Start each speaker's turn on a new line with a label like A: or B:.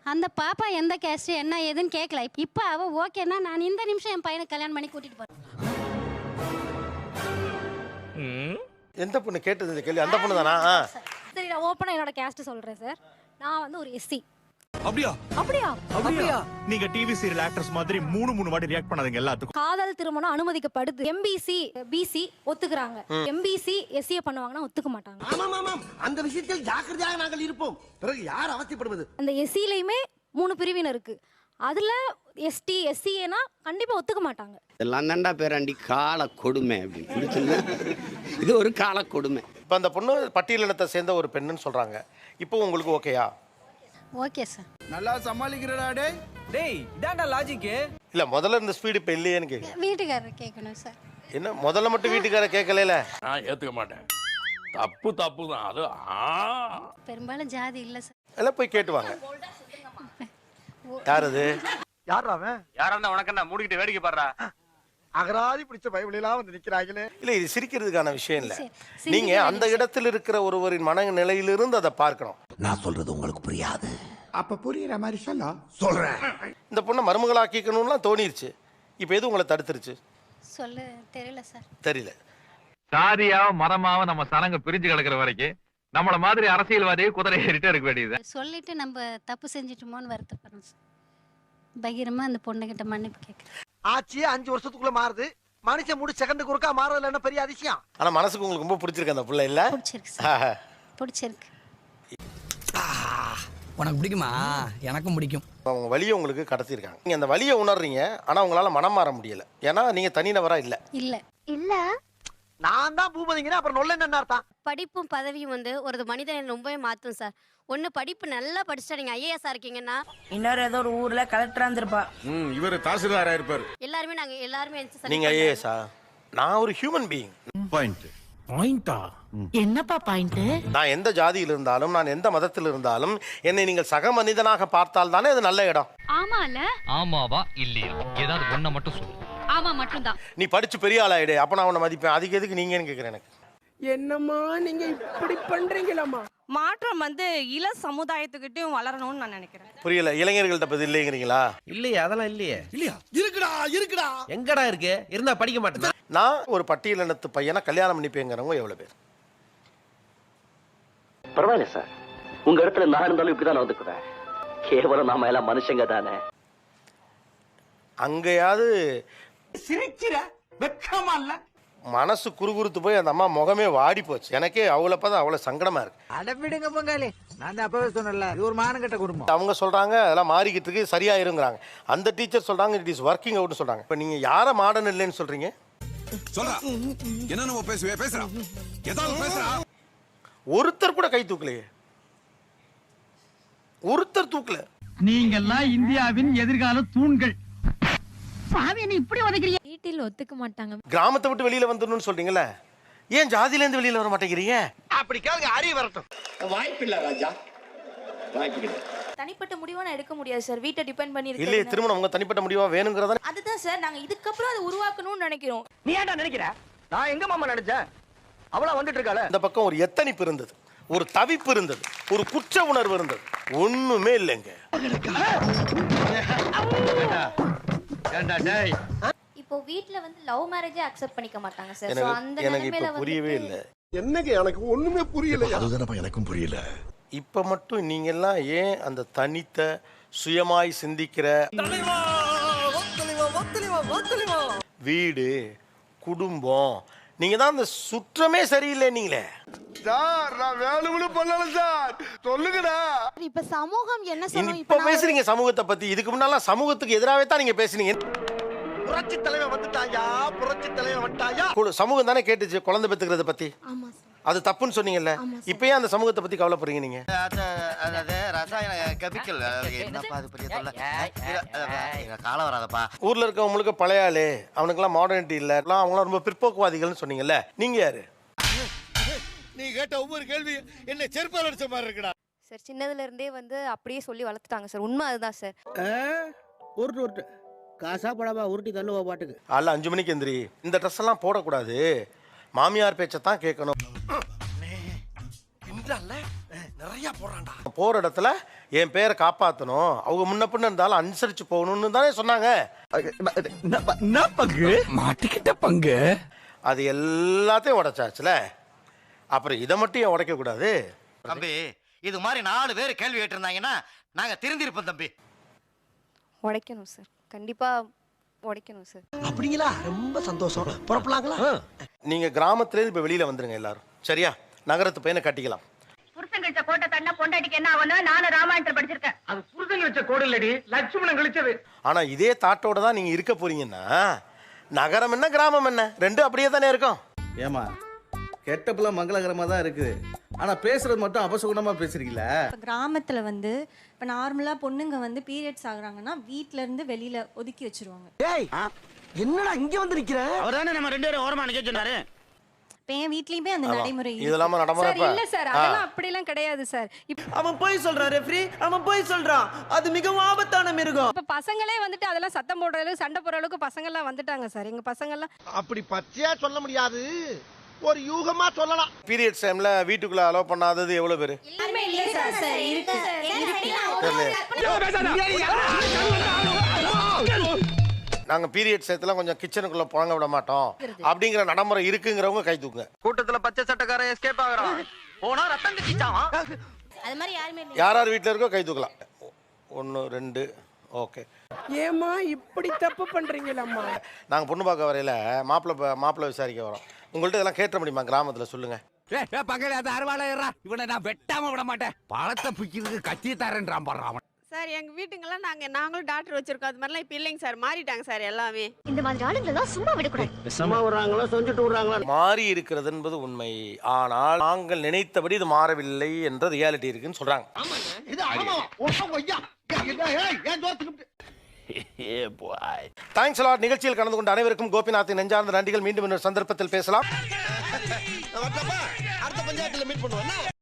A: அந்த பாப்பா எந்த கேஸ்ட் என்ன ஏதுன்னு கேட்கல. இப்போ அவ ஓகேன்னா நான் இந்த நிமிஷம் என் பையனை கல்யாணம் பண்ணி கூட்டிட்டு போறேன்.
B: எந்த பொண்ணு கேட்டது இந்த கேள்வி? அந்த பொண்ணு தானா?
C: சரி, நான் ஓப்பனா என்னோட கேஸ்ட் சொல்றேன் சார். நான் வந்து ஒரு எஸ்சி.
D: அப்படியா?
C: அப்படியா?
D: அப்படியா? நீங்க டிவி சீரியல் ஆக்டர்ஸ் மாதிரி மூணு வாட்டி ரியாக்ட் பண்ணாதீங்க எல்லாத்துக்கும்.
C: காதல் திருமணம் அனுமதிக்கப்படுது. எம்பிசி பிசி ஒத்துக்குறாங்க. எம்பிசி எஸ்சி பண்ணுவாங்கன்னா ஒத்துக்க மாட்டாங்க.
E: ஆமாம் ஆமாம், அந்த விஷயத்தில் ஜாக்கிரதையாக நாங்கள் இருப்போம். பிறகு யார் அவசியப்படுவது?
C: அந்த எஸ்சிலையுமே 3 பிரிவினர் இருக்கு. அதுல எஸ்டி எஸ்சிஏனா கண்டிப்பா ஒத்துக்க மாட்டாங்க.
F: இதெல்லாம் தாண்டா பேராண்டி கால கொடுமை அப்படின்னு. இது ஒரு கால கொடுமை.
B: இப்போ அந்த பொண்ணு பட்டியலினத்தை சேர்ந்த ஒரு பெண்ணுன்னு சொல்றாங்க. இப்போ உங்களுக்கு ஓகேயா?
A: Okay sir.
G: நல்லா சமாளிக்கிறடா டேய். டேய் இதான்டா லாஜிக்.
B: இல்ல முதல்ல இந்த ஸ்பீடு இப்போ இல்லையேன்னு கேட்குறேன்.
A: வீட்டுக்காரர் கேட்கணும் சார்.
B: என்ன முதல்ல மட்டும் வீட்டுக்கார கேட்கல?
H: நான் ஏத்துக்க மாட்டேன். தப்பு தான் அது.
A: பெரும்பாலும் ஜாதி இல்லை சார்.
B: எல்லாம் போய் கேட்டுவாங்க. யார் அது?
E: யார் அவன்?
H: யாரா இருந்தா உனக்கு என்ன மூடிக்கிட்டு வேடிக்கை பாடுறா?
E: அகராதி பிடிச்ச பைபிளெல்லாம் வந்து நிக்கிறாங்களே.
B: இல்ல இது சிரிக்கிறதுக்கான விஷயம் இல்ல. நீங்க அந்த இடத்தில் இருக்கிற ஒருவரின் மனநிலையிலிருந்து அதை பார்க்கணும்.
E: நான் சொல்றது உங்களுக்கு புரியாது. அப்ப புரியுற மாதிரி சொல்றேன்.
B: இந்த பொண்ணை மருமகளாக்கிக்கணும்லாம் தோணிருச்சு. இப்போ எது உங்களை தடுத்துருச்சு?
A: சொல்ல தெரியல சார்.
B: தெரியல.
I: சாதியாவ மதமாவ நம்ம சனங்க பிரிஞ்சு கிடக்குற வரைக்கும் நம்மள மாதிரி அரசியல்வாதியை குதிரை ஏறிட்டே இருக்க வேண்டியது.
A: சொல்லிட்டு நம்ம தப்பு செஞ்சிட்டோமோன்னு வருத்தப்படுறோம் சார். பகிரமா அந்த பொண்ணுகிட்ட மன்னிப்பு கேட்குறேன்.
E: ஆச்சு 5 வருஷத்துக்குள்ள மாறுது. மனுஷன் முடி செகண்டுக்கு ஒருக்கா மாறதுல என்ன பெரிய அதிசயம்?
B: ஆனா மனசுக்கு உங்களுக்கு ரொம்ப பிடிச்சிருக்கு அந்த பிள்ளை இல்ல?
A: பிடிச்சிருக்கு சார். பிடிச்சிருக்கு.
G: உனக்கு பிடிக்குமா? எனக்கும் பிடிக்கும்.
B: அவங்க வலியை உங்களுக்கு கடத்திருக்காங்க. நீங்க அந்த வலியை உணர்றீங்க. ஆனா உங்களால மனம் மாற முடியல. ஏன்னா நீங்க தனிநபரா இல்ல.
A: இல்ல
C: இல்ல,
E: நான் தான் பூபதிங்கன்னா அப்புறம் நொல்ல என்ன அர்த்தம்?
J: படிப்பும் பதவியும் வந்து ஒரு மனிதனை ரொம்பவே மாற்றும் சார். ஒன்று படிப்பு நல்லா படிச்சுட்டா நீங்கள் ஐஏஎஸ்ஸாக இருக்கீங்கன்னா
K: இன்னொரு ஏதோ ஒரு ஊர்ல கலெக்டரா இருந்திருப்பா.
D: இவர் தாசில்தாரா இருப்பாரு.
J: எல்லாருமே நாங்கள் எல்லாருமே
B: நீங்க ஐஏஎஸ்ஸா? நான் ஒரு ஹியூமன் பீயிங்.
G: பாயிண்டா? என்னப்பா பாயிண்ட்?
B: நான் எந்த ஜாதியில் இருந்தாலும் நான் எந்த மதத்தில் இருந்தாலும் என்னை நீங்கள் சக மனிதனாக பார்த்தால் தானே அது நல்ல இடம்.
I: ஆமால? ஆமாவா இல்லையா? ஏதாவது ஒண்ண மட்டும் சொல்லு. ஆமா மட்டும்தான்.
B: நீ படிச்சு பெரிய ஆளாயிடு, அப்ப நான் உன்னை மதிப்பேன். அதுக்கு எதுக்கு நீங்கன்னு கேட்குறேன். எனக்கு
K: என்னம்மா நீங்க இப்படி பண்றீங்களாமா? மாற்றம் வந்து இள சமுதாயத்துக்கிட்டையும் வளரணும்னு நான் நினைக்கிறேன்.
B: புரியல. இளைஞர்கள்ட்ட பத்தி இல்லைங்கிறீங்களா?
G: இல்லையே, அதெல்லாம் இல்லையே.
E: இல்லையா? இருக்குடா.
G: எங்கடா இருக்கு? இருந்தா படிக்க மாட்டேன்.
B: நான் ஒரு பட்டியலினத்து பையனை கல்யாணம் பண்ணிப்பேங்கிறவங்க எவ்வளவு பேர்?
F: பரவாயில்ல சார், உங்க இடத்துல நான் இருந்தாலும் இப்படிதான் நடந்துக்குவேன். கேவலம் நாம எல்லாம் மனுஷங்க தானே.
B: அங்கேயாவது
E: சிரிக்கிற வெக்கமா இல்ல?
B: மனசு குறுகுறுத்து போய் அந்த அம்மா முகமே வாடி போச்சு. எனக்கே அவ்வளோ பார்த்தா அவ்வளோ சங்கடமா இருக்கு.
E: அடவிடுங்க பொங்காலி, நான் அப்பவே சொன்னேன்ல, இது ஒரு மானங்கட்ட குடும்பம்.
B: அவங்க சொல்றாங்க அதெல்லாம் மாறிக்கிட்டு இருக்கு, சரியாயிருங்கிறாங்க. அந்த டீச்சர் சொல்றாங்க இட் இஸ் ஒர்க்கிங் அவுட்னு சொல்றாங்க. இப்போ நீங்க யாரை மாடர்ன் இல்லைன்னு சொல்றீங்க?
D: சொல்றா என்ன நம்ம பேசுறா ஏதாவது பேசுறா.
B: ஒருத்தர் கூட கை தூக்கலையே. ஒருத்தர் தூக்கல.
K: நீங்கெல்லாம் இந்தியாவின் எதிர்கால தூண்கள்.
C: வீட்டில் ஒத்துக்க மாட்டாங்க.
B: கிராமத்தை விட்டு வெளியில வந்துடணும்னு சொல்றீங்கல்ல, ஏன் ஜாதியில இருந்து வெளியில வர மாட்டேங்கிறீங்க?
E: அப்படி கேளுங்க, அறிய வரட்டும்.
F: வாய்ப்பு இல்ல ராஜா, வாய்ப்பு இல்லை.
C: தனிப்பட்ட முடிவை நான் எடுக்க முடியாது சார். வீட்டை டிபெண்ட் பண்ணி இருக்கு.
B: இல்லையே, திருமணம் உங்க தனிப்பட்ட முடிவா வேணுங்கிறதா?
C: அதுதான் சார் நாங்க இதுக்கப்புறம் அதை உருவாக்கணும்னு நினைக்கிறோம்.
E: நீ ஏன்டா நினைக்கிற? நான் எங்க மாமா நினைச்சேன்? அவளா வந்துட்டு இருக்காளே.
B: இந்த பக்கம் ஒரு எத்தனிப்பு இருந்தது, ஒரு தவிப்பு இருந்தது, ஒரு குற்ற உணர்வு இருந்தது. ஒண்ணுமே இல்லைங்க.
C: இப்போ வீட்ல வந்து லவ் மேரேஜே அக்செப்ட் பண்ணிக்க மாட்டாங்க சார். சோ அந்த
B: எனக்கு
C: நிலைமையில
B: இப்ப புரியவே இல்லை.
E: என்னங்க எனக்கு ஒண்ணுமே புரியல. அதுதானப்பா எனக்கும் புரியல.
B: இப்ப மட்டும் நீங்க எல்லாம் ஏன் அந்த தனித்த சுயமாய் சிந்திக்கிற வீடு குடும்பம், நீங்க தான் அந்த சுற்றமே சரியில்லை. நீங்களே
E: சார் நான் வேலுவிழு பண்ணல சார், சொல்லுங்கடா.
C: இப்ப சமூகம் என்ன சொல்லும்?
B: இப்ப பேசுறீங்க சமூகத்தை பத்தி. இதுக்கு முன்னால சமூகத்துக்கு எதிராகவே தான் நீங்க பேசுனீங்க.
E: புரட்சி தலைவன் வந்துட்டாயா, புரட்சி தலைவன் வந்துட்டாயா.
B: சமூகம் தானே கேட்டுச்சு குழந்தை பெத்துக்கிறத பத்தி.
C: ஆமா சார்.
B: அது தப்புன்னு சொன்னீங்கல்ல, இப்ப ஏன் அந்த சமூகத்தை பத்தி கவலைப்படுறீங்க நீங்க?
E: ரசாயன கெமிக்கல் என்னப்பா அது பெரிய தொல்லை. காலம் வராதப்பா.
B: ஊர்ல இருக்கவங்க முழுக்க பழைய ஆளு, அவனுக்கெல்லாம் மாடர்னிட்டி இல்ல, அவங்களாம் ரொம்ப பிற்போக்குவாதிகள்னு சொன்னீங்கல்ல, நீங்க யாரு?
E: நீ கேட்ட ஒவ்வொரு கேள்வி என்ன செருப்பால் அடிச்ச மாதிரி இருக்குடா.
J: சார் சின்னதுல இருந்தே வந்து அப்படியே சொல்லி வளர்த்துட்டாங்க சார். உண்மை அதுதான் சார்.
G: உருட்டு காசா படமா உருட்டி தள்ளுவா பாட்டுக்கு.
B: அல்ல 5 மணிக்கு எந்திரி. இந்த ட்ரெஸ் எல்லாம் போடக்கூடாது, மாமியார் பேச்சை தான் கேட்கணும்.
E: நிறைய போறான்டா.
B: போகிற இடத்துல என் பேரை காப்பாற்றணும், அவங்க முன்ன பின்ன இருந்தாலும் அனுசரித்து போகணும்னு தானே சொன்னாங்க.
E: பங்கு மாட்டிக்கிட்ட பங்கு
B: அது எல்லாத்தையும் உடைச்சாச்சுல, அப்புறம் இதை மட்டும் ஏன் உடைக்கக்கூடாது?
E: தம்பி இது மாதிரி 4 பேர் கேள்வி கேட்டிருந்தாங்கன்னா நாங்க திருந்திருப்போம் தம்பி.
C: உடைக்கணும் சார், கண்டிப்பா உடைக்கணும் சார்.
E: அப்படிங்களா? ரொம்ப சந்தோஷம். புறப்படலாங்களா?
B: நீங்கள் கிராமத்துலேருந்து இப்போ வெளியில் வந்துருங்க எல்லாரும், சரியா? நகரத்து பையனை கட்டிக்கலாம்.
K: புருஷன் கழிச்ச கோட்டை தண்ணா பொண்டாட்டிக்கு என்ன ஆகணும்? நானும் ராமாயணத்தில் படிச்சிருக்கேன். அது புருஷன் கழிச்ச கோடு இல்லடி, லட்சுமணன் கழிச்சது.
B: ஆனால் இதே தாட்டோட தான் நீங்கள் இருக்க போறீங்கன்னா நகரம் என்ன கிராமம் என்ன ரெண்டும் அப்படியே தானே இருக்கும்.
G: ஏமா கெட்டப்புல மங்களகரமா தான் இருக்குது, ஆனா பேசுறது மட்டும் அபசகுணமா பேசுறீங்களா?
C: கிராமத்துல வந்து இப்ப நார்மலா பொண்ணுங்க வந்து பீரியட்ஸ் ஆகுறாங்கன்னா வீட்ல இருந்து வெளியில ஒதுக்கி வச்சிருவாங்க.
E: ஏய் என்னடா இங்க வந்து நிக்கிற?
G: அவர்தானே நம்ம 2 பேரும் ஓரமா நிக்க சொன்னாரு.
C: இப்ப என் வீட்லயுமே அந்த நடைமுறை
B: இதெல்லாம் நடைமுறை
K: இல்ல சார், அதெல்லாம் அப்படிலாம் கிடையாது சார்.
E: அவன் போய் சொல்றான் ரெஃப்ரி, அவன் போய் சொல்றான். அது மிகவும் ஆபத்தான மிருகம்.
K: இப்ப பசங்களே வந்துட்டு அதெல்லாம் சத்தம் போடுற அளவுக்கு சண்டை போடுற அளவுக்கு பசங்க எல்லாம் வந்துட்டாங்க சார். எங்க பசங்க எல்லாம்
E: அப்படி பச்சையா சொல்ல முடியாது, ஒரு யூகமா சொல்லலாம்.
B: பீரியட்ஸ் டைம்ல வீட்டுக்குள்ள அலோவ் பண்ணாதது எவ்வளோ பேர்? நாங்கள் பீரியட்ஸ் டயத்துல கொஞ்சம் கிச்சனுக்குள்ள புழங்க விட மாட்டோம் அப்படிங்கிற நடைமுறை இருக்குங்கிறவங்க கை தூக்குங்க.
E: கூட்டத்துல பச்சை சட்டக்காரன் எஸ்கேப் ஆகுறான், போனா ரத்தம் கட்டிச்சாவான்.
J: அது மாதிரி யாருமே இல்லை.
B: யார் யார் வீட்டில் இருக்கோ கை தூக்கலாம். 1 2 ஓகே.
K: ஏமா இப்படி தப்பு பண்றீங்களம்மா?
B: நாங்கள் பொண்ணு பார்க்க வரையில மாப்பிள்ளை விசாரிக்க வரோம். உங்கள்கிட்ட இதெல்லாம் கேட்ட முடியுமா கிராமத்தில்? சொல்லுங்க.
E: பக்கத்துல அது அறுவாளையறா, இவனை நான் வெட்டாம விட மாட்டேன். பழத்தை பிக்கிறதுக்கு கத்தி தரேன்றான் பாடுறான்.
K: சார் எங்க வீட்டுங்கெல்லாம் நாங்களும் டாக்டர் வச்சிருக்கோம். அது மாதிரிலாம் இப்ப இல்லைங்க சார், மாறிட்டாங்க சார் எல்லாமே.
C: இந்த மாதிரி ஆளுங்களெல்லாம் சும்மா விடக்கூடாது.
E: சும்மா விடுறாங்களா சொல்லிட்டு விடுறாங்களா?
B: மாறி இருக்கிறது என்பது உண்மை, ஆனால் நாங்கள் நினைத்தபடி இது மாறவில்லை என்ற ரியாலிட்டி இருக்குன்னு சொல்றாங்க. Thanks lot. நிகழ்ச்சியில் கலந்து கொண்ட அனைவருக்கும் கோபிநாத்தின் நெஞ்சார்ந்த நன்றிகள். மீண்டும் இன்னொரு சந்தர்ப்பத்தில் பேசலாம்.
E: அடுத்த பஞ்சாயத்துல மீட் பண்ணுவோம்.